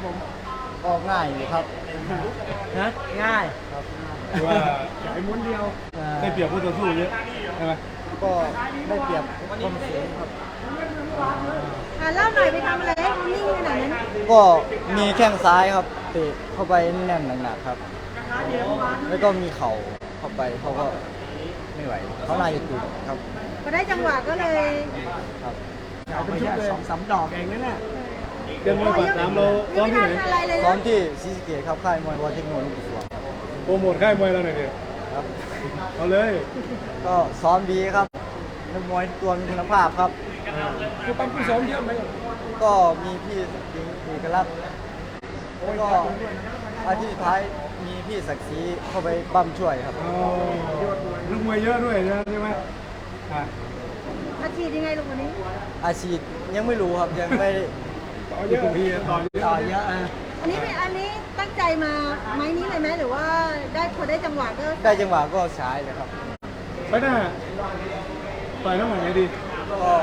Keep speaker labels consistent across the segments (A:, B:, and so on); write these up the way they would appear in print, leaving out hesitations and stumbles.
A: ครับผม
B: ก็ง่ายอยู่ครับนะง่ายครับ
C: คือว่า
A: ใหญ่ม้วนเดียว
C: ได้เปรียบผู้ต่อสู้เยอะใช่ไหม
B: ก็ได้เปรียบความสูงครับ
D: เล่าหน่อยไปทำอะไรให้เขานิ่งขนาดนั้น
B: ก็มีแข้งซ้ายครับเตะเข้าไปแน่นหนักๆครับ แล้วก็มีเข่าเข้าไปเขาก็ไม่ไหวเขาน่าจะตุกครับ
D: พอได้จังหวะก็เลย
B: ครับ
A: เอาเป็นชุดเลย2-3 ดอกเองนั่นแหละ
C: เดือนมวยปากน้ำเราซ้อมที่ไหน
D: ยังไม่ทันอะไรเลย
B: ซ้อม
D: นะ
B: ที่ศรีสะเกษครับค่ายมวยวอเทคโนโลยีสวน
C: โปรโมทค่ายมวยเราหน่อยดิ
B: ครับ
C: เอาเลย
B: ก็ซ้อมดีครับนักมวยตัวมีคุณภาพครับ
A: คือปั๊มผู้ซ้อมเยอะไหม
B: ก็มีพี่สิงห์เอกลักษณ์แล้วก็อาทิตย์สุดท้ายมีพี่ศักดิ์ศรีเข้าไปปั้มช่วยครับ
C: เอาลูกมวยเยอะด้วยใช่ไหมอ่ะ
D: อาชีพยังไงลูกวันนี้
B: อาชีพยังไม่รู้ครับยังไม่ได้
C: ต่อเยอะพี่ต่อเยอะ
B: ต่อเยอะ
D: อันนี้ตั้งใจมาไม้นี้เลยไหมหรือว่าได้พอได้จังหวะก็
B: ได้จังหวะก็ใช้เลยครับ
C: ไปหน้าต่อยน้ำหนักไหนดี
B: ก็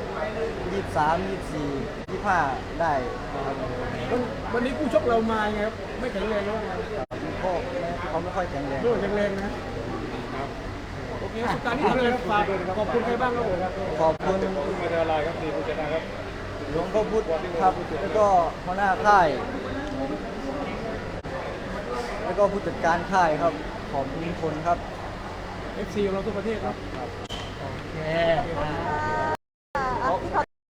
B: 23 24 25ได้ครับ
A: วันนี้ผู้ชกเรามาไงครับไม่แข็งแรงหรือว่าไง
B: ก็เขาไม่ค่อยแข็งแรง
A: โดนแข็งแรงนะโอเคสุดท้ายนี้ทำอะไรฝากขอบคุณใครบ้างครับผม
B: ขอบคุณ
C: มาเดลไลน์ครับดีผู้ชนะครับ
B: หลวงพ่อพุธครับแล้วก็หัวหน้าค่าย แล้วก็ผู้จัดการค่ายครับ ขอบคุณทุกคนครับ
A: FC ของเราทุกประเทศครับ
B: โอเค